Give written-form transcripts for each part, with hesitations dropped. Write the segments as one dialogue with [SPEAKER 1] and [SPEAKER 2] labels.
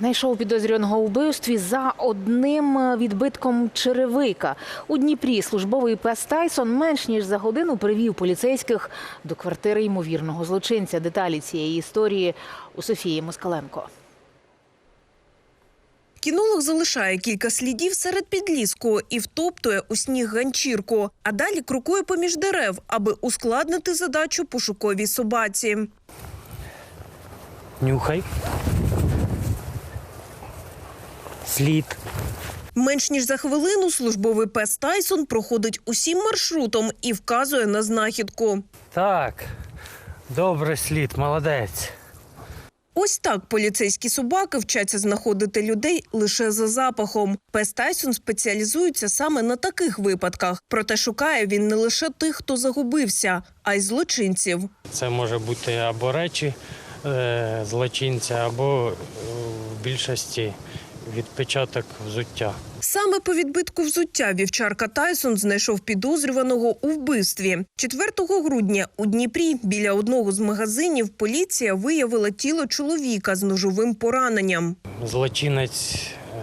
[SPEAKER 1] знайшов підозрюваного у вбивстві за одним відбитком черевика. У Дніпрі службовий пес Тайсон менш ніж за годину привів поліцейських до квартири ймовірного злочинця. Деталі цієї історії у Софії Москаленко.
[SPEAKER 2] Кінолог залишає кілька слідів серед підліску і втоптує у сніг ганчірку, а далі крокує поміж дерев, аби ускладнити задачу пошуковій собаці.
[SPEAKER 3] Нюхай. Слід.
[SPEAKER 2] Менш ніж за хвилину службовий пес Тайсон проходить усім маршрутом і вказує на знахідку.
[SPEAKER 3] Так, добре слід, молодець.
[SPEAKER 2] Ось так поліцейські собаки вчаться знаходити людей лише за запахом. Пес Тайсон спеціалізується саме на таких випадках. Проте шукає він не лише тих, хто загубився, а й злочинців.
[SPEAKER 3] Це може бути або речі злочинця, або в більшості відпечаток взуття.
[SPEAKER 2] Саме по відбитку взуття вівчарка Тайсон знайшов підозрюваного у вбивстві. 4 грудня у Дніпрі біля одного з магазинів поліція виявила тіло чоловіка з ножовим пораненням.
[SPEAKER 3] Злочинець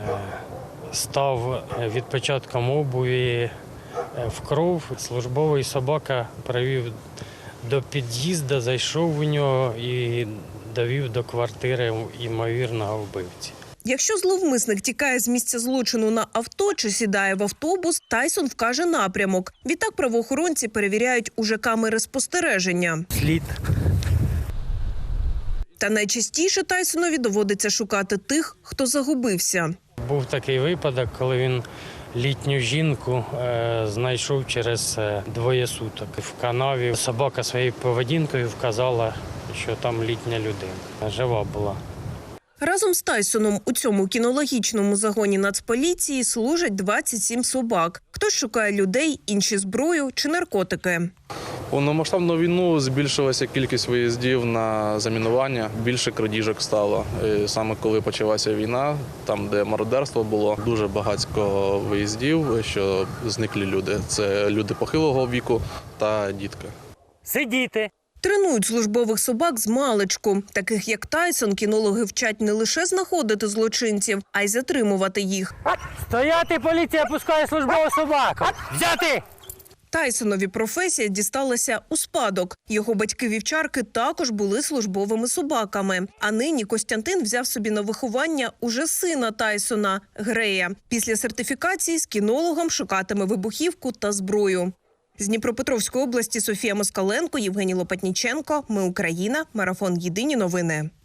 [SPEAKER 3] став відпечатком обуві в кров. Службовий собака привів до під'їзду, зайшов у нього і довів до квартири ймовірного вбивці.
[SPEAKER 2] Якщо зловмисник тікає з місця злочину на авто чи сідає в автобус, Тайсон вкаже напрямок. Відтак правоохоронці перевіряють уже камери спостереження.
[SPEAKER 3] Слід.
[SPEAKER 2] Та найчастіше Тайсонові доводиться шукати тих, хто загубився.
[SPEAKER 3] Був такий випадок, коли він літню жінку знайшов через 2 суток. В канаві собака своєю поведінкою вказала, що там літня людина. Жива була.
[SPEAKER 2] Разом з Тайсоном у цьому кінологічному загоні Нацполіції служать 27 собак. Хтось шукає людей, інші – зброю чи наркотики.
[SPEAKER 4] У повномасштабну війну збільшилася кількість виїздів на замінування, більше крадіжок стало. І саме коли почалася війна, там, де мародерство було, дуже багатько виїздів, що зниклі люди. Це люди похилого віку та дітки.
[SPEAKER 3] Сидіти!
[SPEAKER 2] Тренують службових собак з маличку. Таких як Тайсон кінологи вчать не лише знаходити злочинців, а й затримувати їх.
[SPEAKER 3] Стояти, поліція пускає службову собаку! Взяти!
[SPEAKER 2] Тайсонові професія дісталася у спадок. Його батьки-вівчарки також були службовими собаками. А нині Костянтин взяв собі на виховання уже сина Тайсона – Грея. Після сертифікації з кінологом шукатиме вибухівку та зброю. З Дніпропетровської області Софія Москаленко, Євгеній Лопатніченко. Ми Україна. Марафон. Єдині новини.